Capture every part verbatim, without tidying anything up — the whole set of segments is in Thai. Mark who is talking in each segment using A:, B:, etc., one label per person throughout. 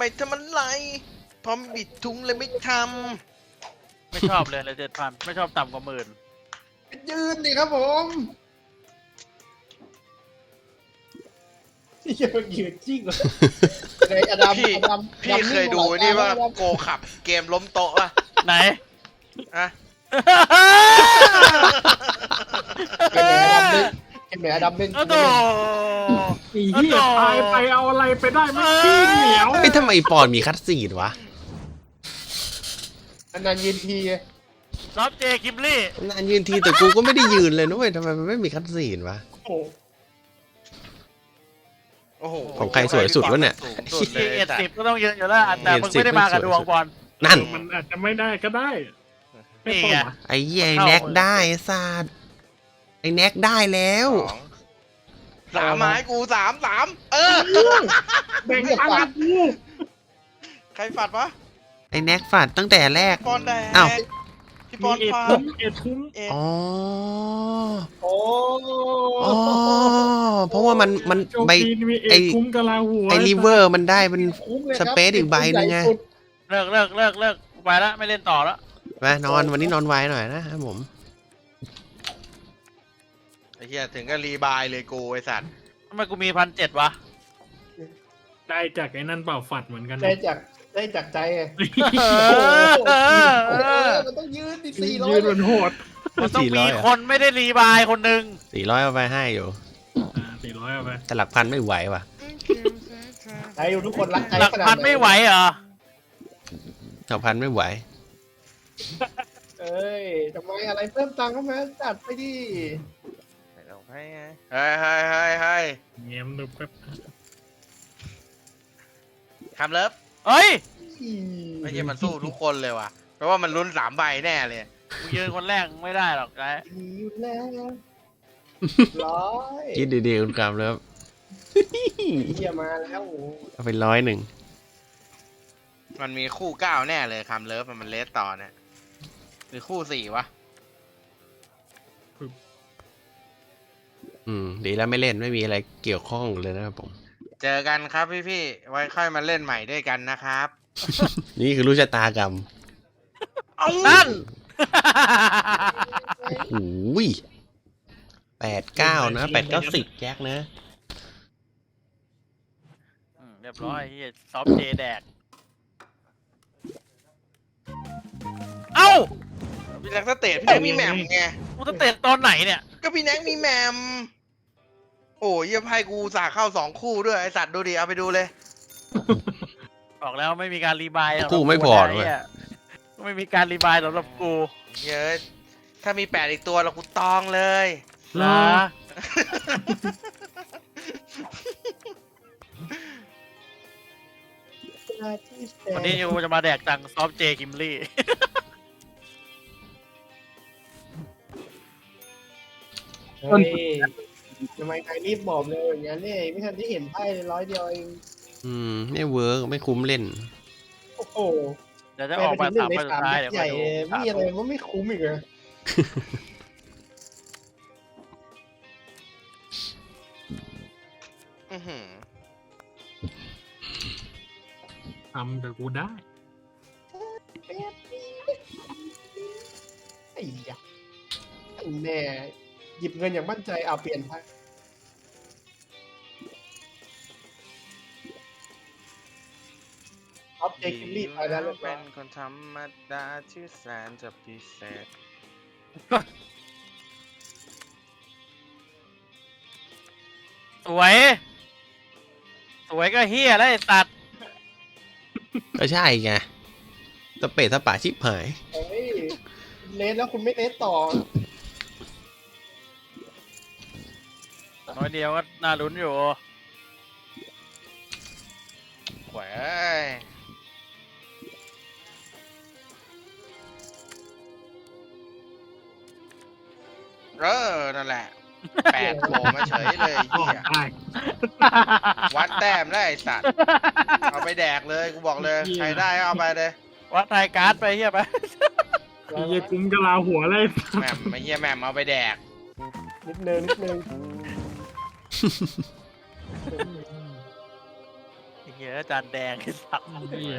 A: ไม่ทำอะไรพอบิดทุงเลยไม่ท
B: ไม่ชอบเลยเลยเจ็ดพันไม่ชอบต่ำกว่าหมื่น
C: ยืนดิครับผมเยอะยืนจริงเลยในอดัม
A: ำพี่
C: อดัม
A: พี่เคยดูนี่ว่าโกขับเกมล้มโต๊ะป่ะ
B: ไหน
A: อะ
C: เป็นไหนอดัมเล่นเป็นไหนอดัมเล่น
B: โอ้โห
D: ไอ้เหี้ยตายไปเอาอะไรไปได้ไม่ขี้เหนียว
E: เฮ้ยทำไมปอนมีคัดซีนวะ
C: อันนั้นยืนที
B: ซอฟเจคิมลี่
E: นานยืนทีแต่กูก็ไม่ได้ยืนเลยนะเว้ยทำไมมันไม่มีคัดซีนวะ
C: โอ้
A: โอ้โห
E: ของใครสวยสุดวะเนี่ย
A: สูงสุดเลย
B: เอ็ด
A: แต่
B: สิบก็ต้องยืนอยู่แล้วแต่มึงไม่ได้มากับดวงบอล
E: นั่น
D: มันอาจจะไม่ได้ก็ได้ไม่
B: นี่
D: ต้อง
B: ไง
D: วะ
E: ไอ้เหี้ยไอ้แน็กได้ไอ้ซาดไอ้แน็กได้แล้ว
A: สองสามไม้กูสามสามเออ
D: แบ่งปันกับกู
A: ใครฝัดวะ
E: ไอ้แน็กฝาดตั้งแต่แรก
A: ปอนแดง
E: อ้าว
A: พี่ปอน
D: มีเอ็ด
A: ฝั
D: คุ้
A: ด
D: มเอ็ดคุ้ม
A: เอ็ด
E: อ๋อ
C: โอ้
E: อ๋อเพราะว่ามันมัน
D: โจม
E: ใบ
D: ตีมีเอ็
E: ไอ้
D: ดคุ้มกะลาหัว
E: ไอ้ลิเวอร์มันได้เป็น
C: คุ้มเลย
E: สเปซอีกใบหนึ่งไง
B: เลิกเลิกเลิกเลิกไปแล้วไม่เล่นต่อแล้ว
E: มานอนวันนี้นอนไวหน่อยนะครับผม
A: ไอ้เหี้ยถึงก็รีบายเลยกูไอ้สัตว์
B: ทำไมกูมีพันเจ็ดวะ
D: ได้จากไอ้นั่นเปล่าฝัดเหมือนกัน
C: ได้จากได้จากใจไง
B: เอ
C: โอ้
B: อ
C: โห
B: เออ
C: เออมันต้องยืนดิสี่ร้อย
D: ยืนบนโหด
B: มันต้อง
E: สี่ร้
B: มี
E: อยเหรอ
B: คนไม่ได้รีบายคนหนึ่ง
E: สี่ร้อยเอาไปให้อยู่
D: อ่าสี่ร้อยเอาไป
E: แต่หลักพันไม่ไหวว่ะ
C: ใจอยู่ทุกคนรักใจ
B: หลัก
C: ขนาด
B: พันไม่ไหวเหรอ
E: หลักพันไม่ไหว
C: เอ้ยทำไมอะไรเพิ่มตังค์เข้ามาจัดไปดิ
A: ให้ไงเฮ้ยเฮ้ยเฮ้ยเฮ้ย
D: เงียบดูแป๊บ
A: ทำเลิฟ
B: เฮ้ย
A: ไม่ใช่มันสู้ทุกคนเลยว่ะเพราะว่ามันลุ้นสามใบแน่เลย
B: กูยืนคนแรกไม่ได้หรอกไอ้
C: อยู่แล้วร้อย
E: คิดดีๆคุณกรรมแล้ว
C: เฮียมาแล้วโอ้
E: เอาไปร้อยหนึ่ง
A: มันมีคู่เก้าแน่เลยคำเลิฟมันเลสต่อเนี่ยหรือคู่สี่วะ
E: อืมดีแล้วไม่เล่นไม่มีอะไรเกี่ยวข้องเลยนะครับผม
A: เจอกันครับพี่ๆไว้ค่อยมาเล่นใหม่ด้วยกันนะครับ
E: นี่คือรู้ชะตากรรม
B: นั่น
E: โอ้โหแปดเก้านะแปดเก้าสิบแจ็คนะ
B: อืมเรียบร้อยเฮียซอฟเจแดก เอ้า
A: พี่แน็กสเตทพี่แน็กมีแหม่มไง
B: กูจะเตะตอนไหนเนี่ย
A: ก็พี่แน็กมีแหม่มโอ้ยเยี่ยมให้กูสาเข้าสองคู่ด้วยไอสัตว์ดูดิเอาไปดูเลย
B: บอกแล้วไม่มีการรีบายสำหรับ
E: กูไม่พอด้
B: ด้
E: ว
B: วย ยไม่มีการรีบายสำหรับกู
A: เยอะถ้ามีแปดอีกตัวเรากูตองเลย
B: นะ วันนี้ยูจะมาแดกตังค์ซอฟเจคิมลี่
C: เฮ้ยทำไมใครรีบบอกเลยอย่างนั้นเนี่ยไม่ทันที่เห็นไพ่เลยร้อยเดียวเอง
E: อืมไม่เวิร์กไม่คุ้มเล่น
C: โอ้โห
B: เดี๋ยวจะออกมาสามใบสุดท้ายเดี๋ยว
C: ให
B: มา
C: ญ่
B: ดู
C: ไม่มีอะไรมันไม่คุ้มอีกเลย
A: อื้อหือ
D: ทำแต่กูได้
C: ไอ้ยะไอ้แน่หยิบเงินอย่างมั่นใจเอาเปลี่ยนไพ่ออฟเจคิมลี่ไปแล้วเรียบร้
A: เป็
C: อย
A: นคนธรรมดาที่แสนจะพิเศษ
B: สวย สวยก็เฮียแล้วไอ้สัตว์
E: ก็ใช่ไงตะเปะตะป่าชิบหาย
C: เฮ้ยเลสแล้วคุณไม่เลสต่อ
B: น้อยเดียวก็น่าลุ้นอยู่
A: แหวยเออนั่นแหละแปดโผล่มาเฉยเลยไอ้เหี้ย
D: ได้
A: วัดแต้มได้ไอ้สัตว์เอาไปแดกเลยกูบอกเลยใครได้ก็เอาไปเลย
B: วัดไทยการ์ดไปเฮียไป
D: ไอ้เหี้ยคุ้มกะลาหัวเลย
A: แหม่มไม่เหี้ยแหม่มเอาไปแดก
C: นิดนึงนิดนึง
A: ไอ้เหี้ย
B: เหี้ยจานแดงไอ้สัตว์
D: เหี้ย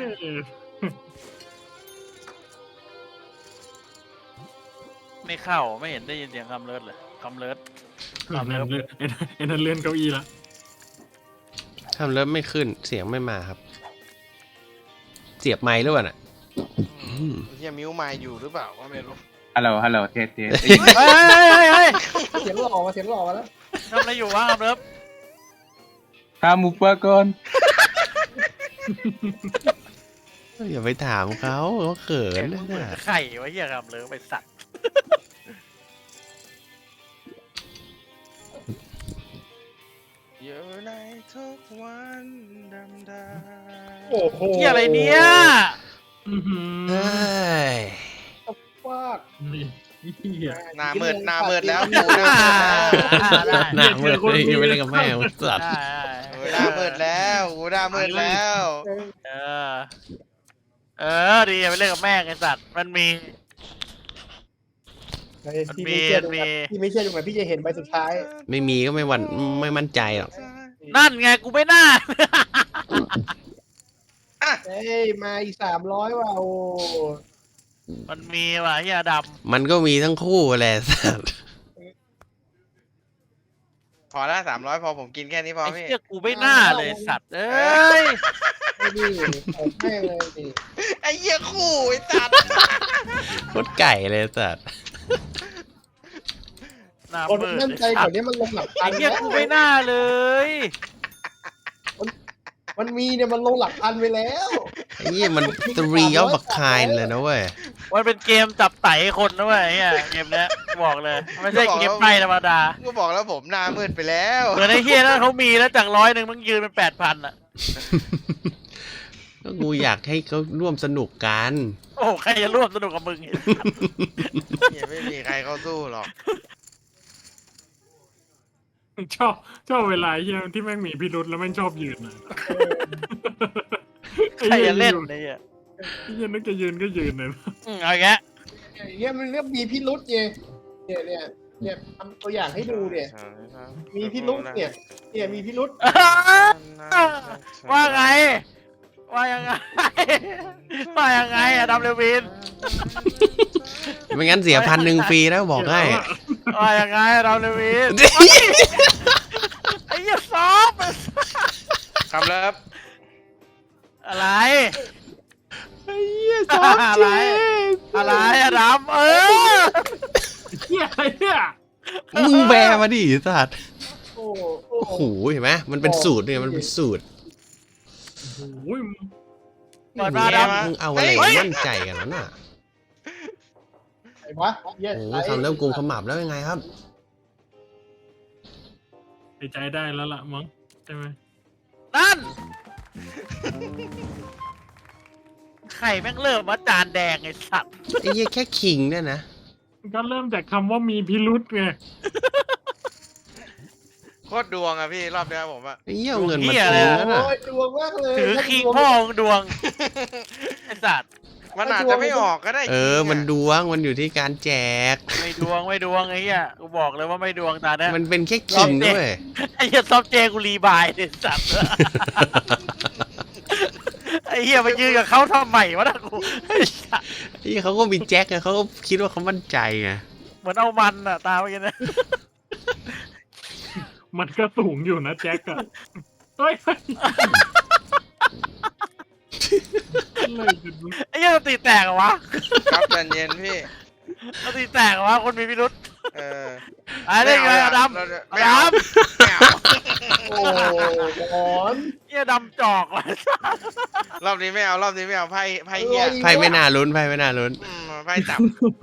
B: ไม่เข้าไม่เห็นได้ยินเสียงคำเลิศเลยคำเลิศ
D: ไอ้นั่นเลื่อนไอ้นั่นไอ้นั่นเลื่อนเก้าอี้ละ
E: ทำเริ่มไม่ขึ้นเสียงไม่มาครับ เสียบไมค์หรือเปล่าน่ะ
A: อืมเฮียมิวมาอยู่หรือเปล่าก็ไม่รู้
F: ฮัลโหล ฮัลโหล เทสเทส
B: เฮ้ยเฮ้ยเฮ้ยเฮ้ย
C: เสียงหล่อมาเสียงหล่อมาแล้ว
B: ทำอะไรอยู่วะคำเลิศ
F: ข้ามมูเปอร์ก่อน
E: อย่าไปถามเขาเขาเขิน
B: มึงเหมือน
E: นะ
B: ไข่วะเหี้ยคำเลิศไปสัตว์
A: อยู่ในทุกวันดำดา
C: โอ้โห
B: เหี้ยอะไรเนี่ย
D: อื้อหือ
E: เฮ้ย
C: ฟาด
D: นี่เหี้ย
A: หน้ามืดหน้ามืดแล้วกูหน้า
B: อ่า
A: มืดแล้ว
B: ได้
E: หน้ามืดเลยยังไม่ได้กับแม่งสัตว์
B: ได้
A: กูหน้ามืดแล้วกูหน้ามืดแล้ว
B: เออเออดีไปเล่นกับแม่งไอ้สัตว์มันมี
C: เฮ้ยพี่ไม่เชื่อตรงไหน
B: มี
C: พี่ไม่เชื่อตรงไหนพี่จะเห็นใบสุดท้าย
E: ไม่มีก็ไม่หวันไม่มั่นใจหรอก
B: นั่นไงกูไม่น่า
C: เฮ้ยมาอีกสามร้อยว่ะโอ้
B: มันมีว่ะเฮียด
E: มันก็มีทั้งคู่แหละสัตว์
A: พอละสามร้อยพอผมกินแค่นี้พ
B: ำ
A: อ
B: ไอ้
A: พี่
B: เฮียกูไม่น่าเลยสัตว์เอ้ย
C: ไอ้นี่ผมแม่งเลยดิ
A: ไอ้เหี้ยคู่ไอ้ตัด
E: โคตรไก่เลยสัตว์
B: หน้า
C: คน
B: มืด
C: มั่นใจกว่านี้มันลงหลักพั
B: ไอ้
C: น
B: เฮีย
C: แล้ว
B: กูไม่น่าเลย
C: มันมีเนี่ยมันลงหลักพันไปแล้ว
E: ไอ้ยี่มัน three of a kind เลยนะเว้ย
B: มันเป็นเกมจับไต่คนนะเว้ยไอ้เฮียเกมเนี้ยบอกเลยไม่ใช่เกมไพ่ธรรมดา
A: กูบอกแล้วผมหน้ามืดไปแล้ว
B: เหมือนไอ้เฮียนั่นเขามีแล้วจากร้อยหนึ่งมึงยืนเป็นแปดพันอ่ะ
E: ก็กูอยากให้เขาร่วมสนุกกัน
B: โอ้ใครจะร่วมสนุกกับมึง
A: เหี้ยไม่มีใครเข้าสู้หรอก
D: ชอบชอบเวลาเหี้ยที่แม่งมีพิรุธแล้วแม่งชอบยืนอะ
B: ใครจะเล่นไอ้เฮีย
D: ไอ้เหี้ยนึกจะยืนก็ยืนเลย
B: อืมเอาอีกแล้ว
C: อย่างเงี้ยมันเรียกมีพิรุษไงเนี่ยเนี่ยเนี่ยทำตัวอย่างให้ดูเนี่ยมีพิรุษเนี่ยเนี่ยมีพิรุษ
B: ว่าไง ว่ายังไง ว่ายังไงอะดัมเลวิน
E: ไม่งั้นเสียพันหนึ่งฟรีแล้วบอกให้
B: ว่ายังไงอะดัมเลวินไอ้เหี้ยซอฟต์
A: คำเลิฟ
B: อะไร
E: ไอ้เหี้ยชอบ
B: อะ
E: เจ
B: ไร อะไรอะดัมเออ
D: เหี้ยอะไรเนี่ย
E: มึงแบมาดิสัตว์
C: โอ้โอ้
E: โอ้โหเห็นไหมมันเป็นสูตรเนี่ยมันเป็นสูตร
D: โอ้ย
B: เปิดมาดัม
E: มึงเอาอะไรมั่นใจกันวะน่ะ
C: ไอ้วะเหี้ย
E: โอ้โหทำเริ่มกุมขมับแล้วยังไงครับ
D: หายใจได้แล้วล่ะมั้งใช่ไหม
B: นั่นไข่แม่งเริ่มมาจานแดงไอ้สัตว์
E: ไอ้เหี้ยแค่คิงเนี่ยนะ
D: ก็เริ่มจากคำว่ามีพิรุธไง
A: โคตรดวงอะพี่รอบเนี้ยผมอะ
E: ไอ้เหี้ยเอาเงินมาทิ้งแล้วน่ะ
C: โอ้ยดวงมากเลย
B: ถือคิงพ่อของดวงไอ้สัตว์
A: มันอาจจะไม่ออกก็ได้
E: เออ มันดวงมันอยู่ที่การแจก
B: ไม่ดวงไม่ดวงไอ้เหี้ยกูบอกเลยว่าไม่ดวงตาเนี้ย
E: มันเป็นแค่คิงด้วย
B: ไอ้เหี้ยซอฟเจกูรีบายไอ้สัตว์ไอ้เหี้ยมายืนกับเขาทำไมวะนะกูไอ้สัตว์
E: ที่เขาก็มีแจ็คไงเขาก็คิดว่าเขามั่นใจไง
B: เหมือนเอามันอะตาเมื่อกี้นะ
D: มันก็สูงอยู่นะแจ็คอะเฮ้ยเฮ้ยอะไรกันวะ
B: ไอ้เหี้ยสติแตกเหรอวะ
A: ครับใจเย็นพี่
B: สติแตกเหรอวะคนมีพิรุษ
A: เออ
B: ไอ้เรื่องไงอะดำ
A: ไม่เอา
B: ดำ
A: ไม่เอา
C: โอ้หมอน
B: เหี้ยดำจอกว่ะ
A: รอบนี้ไม่เอารอบนี้ไม่เอาไพ่ไพ่เหี้ย
E: ไพ่ไม่น่าลุ้นไพ่ไม่น่าลุ้น
A: อืมไพ่จับ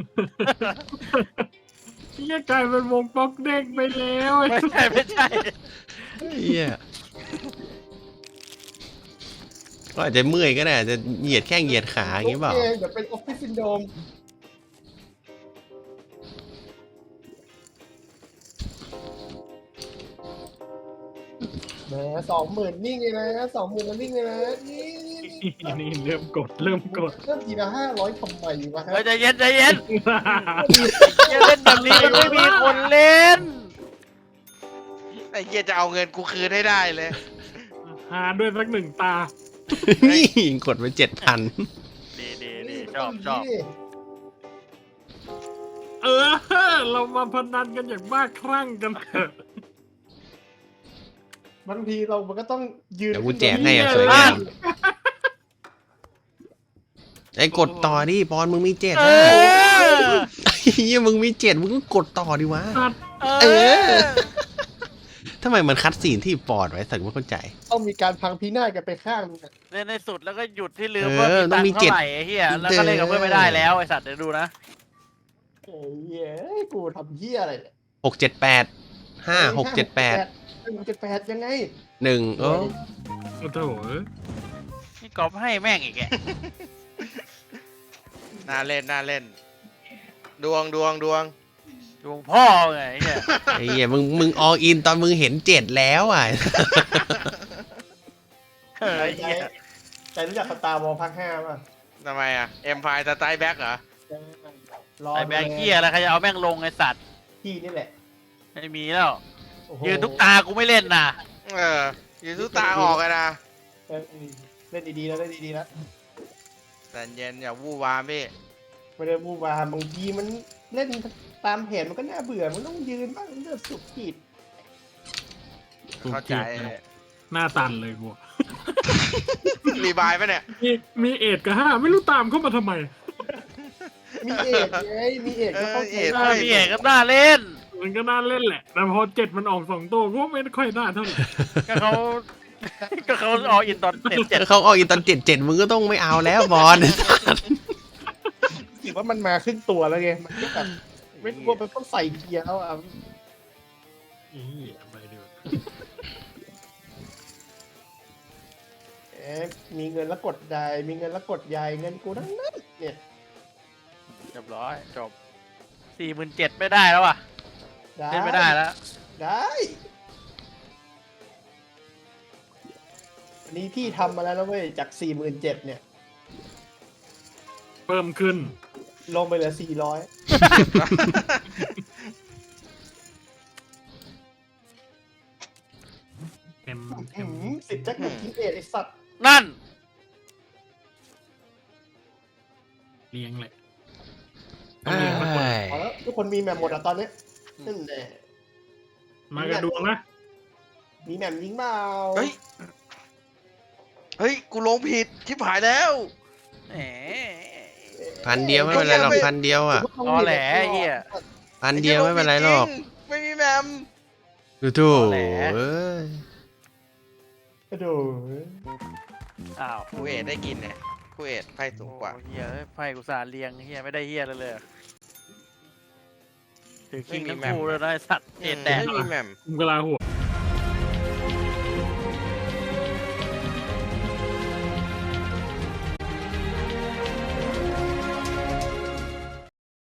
D: เหี้ยกลายเป็นวงป๊อกเด้งไปแล้วไอ้
B: ไม่ใช่ไม่ใช่
E: เหี้ยก็อาจจะเมื่อยก็ได้อาจจะเหยียดแข้งเหยียดขาอย่างงี้เปล่า
C: โอคเดี๋ยวเป็นออฟฟิศซินโดรมแหมสองหมื่นนิ่งเลยนะสองหมื่นแล้วนิ่งเลยนะนี่
D: นี่เริ่มกดเริ่มกด
C: เริ่มทีละห้าร้อยทำไมวะฮะ
B: เฮ้ยใจเย็นใจเย็นอย่าเล่นแบบนี้มันไม่มีคนเล่น
A: ไอ้เหี้ยจะเอาเงินกูคืนให้ได้เลย
D: หาด้วยสักหนึ่งตา
E: นี่กดไปเจ็ดพัน
B: ดีดีดีชอบชอบ
D: เออ เรามาพนันกันอย่างบ้าคลั่งกันเถอะ
C: บางทีเรามันก็ต้องยืน
E: เดี๋ยวกูแจกให้อย่างสวยงามไอ้กดต่อดิบอลมึงมีเจ็ด
B: เอ
E: นะ
B: อ
E: เฮียมึงมีเจ็ดมึงก็กดต่อดิวะ
D: สัตว์
B: เอ
E: เอ
B: อ
E: อ ทำไมมันคัดซีนที่ปอดไว้สักไม่เข้าใจ
C: ต้องมีการพังพินาศกันไปข้างนึงอะ
B: เล่นในสุดแล้วก็หยุดที่ลืม
E: เออ
B: ว่ามี
E: ต้
B: ตั
E: อง
B: ง
E: มี
B: ค์
E: เจ็
B: เท่า
E: ด
B: ไหร่ไอ้เหี้ยแล้วก็เล่นกับเพื่อนไม่ได้แล้วไอ้สัตว์เดี๋ยวดูนะ
C: เอ้ยเอ้ยกูทำเหี้ยอะไรเนี่ย
E: หกเจ็ดแปดห้าหกเจ็ดแปด
C: หนึ่งเจ็ดแปดยังไง
E: หนึ่งโอ้
D: โอ้โห
B: นี่กอบให้แม่งอีกแก
A: น่าเล่นน่าเล่น ดวงดวงดวง
B: ดวงพ่อไงไอ้เหี้ย
E: ไอ้เหี้ยมึงมึงอออินตอนมึงเห็นเจ็ดแล้วอ่ะ
B: เออไอ้
C: ใจ
B: เหี้ย
C: ใจรู้จักสตาร์วอลภาคห้าป่ะ
A: ทำไมอ่ะเอ็มพายสไตล์แบ็กเหรอ
C: รอ
B: ไอ้แบงค์เหี้ยแล้วใครจะเอาแม่งลงไอ้สัตว์
C: พี่นี่แหละ
B: ไม่มีแล้ว
C: โอ้โห
B: ยืนทุกตากูไม่เล่นนะ
A: เอออยู่ทุกตาออกกันนะ
C: เออเล่นดีๆแล้วเล่นดีๆแล้ว
A: แต่เย็นอย่าวู่วามพี่
C: ไม่ได้บูบามบางทีมันเล่นตามแผนมันก็น่าเบื่อมันต้องยืนบ้างเลือดสุกขีด
A: เข้าใจ
D: หน้าตันเลยกู
A: รีบายปะเนี่ย
D: มีมีเอ็ดกับห้าไม่รู้ตามเข้ามาทำไม
C: มีเอกไงมีเอกก็เข้าใจ
A: เออเอก
B: เอ
C: ได้
B: อพี่เอกก็น่าเล่น
D: มันก็น่าเล่นแหละ แต่พอเจ็ดมันออกสองตัวก็ไม่ค่อยน่าเท่าไหร่
B: ก็เขา ก็เขาออกอินตอนเจ็ดเจ็ด
E: เขาอออินตอนเจ็ดเจ็ดมึงก็ต้องไม่เอาแล้วบอล
C: คิดว่ามันมาครึ่งตัวแล้วไงมันก็แบบไม่ควรไปต้องใส่เกียร์แล้วอ่ะ
D: อีไปดู
C: เอ๊ะมีเงินแล้วกดใหญ่มีเงินแล้วกดใหญ่เงินกูทั้งนั้นเนี่ย
B: เรียบร้อยจบสี่หมื่นเจ็ดไม่ได้แล้วอ่ะเล่นไม่ได้แล้ว
C: ได้อันนี้พี่ทำมาแล้วนะเว้ยจากสี่หมื่นเจ็ดเนี่ย
D: เพิ่มขึ้น
C: ลงไปเหลือสี่ร้อย
D: เต็มเต็ม
C: สิบแจ็คหนึ่งทีเอทไอสัตว์
B: นั่น
D: เลี้ยงเลย
E: เอ้ย
C: เอาแล้วทุกคนมีแมมหมดอ่ะตอนเนี้ยนั่นแหละ
D: มากระดวงนะ
C: มีแมมยิงเปล่า
A: เฮ้ย เฮ้ย กูลงผิดชิบหายแล้ว
B: แหม
E: พันเดียวไม่เป็นไรหรอกพันเดียวอ่ะ
B: ตอแหลไอ้เหี้ย
E: พันเดียวไม่เป็นไรหรอก
A: ไม่มีแมม
E: ดูถู
B: เอาแหละ
E: เอ้ย
C: กระโดด
B: อ้าว
A: คูเอทได้กินเนี่ยคูเอทไพ่สูงกว่า
B: โอ้เฮียเอ้ยไพ่กูสาเรียงเฮียไม่ได้เฮียเลยเลยถือคิงทั้งคู่เลยนะไอ้สัตว์เอ็ดแดก
A: ไม่มีแมม
D: คุมกะลาหัว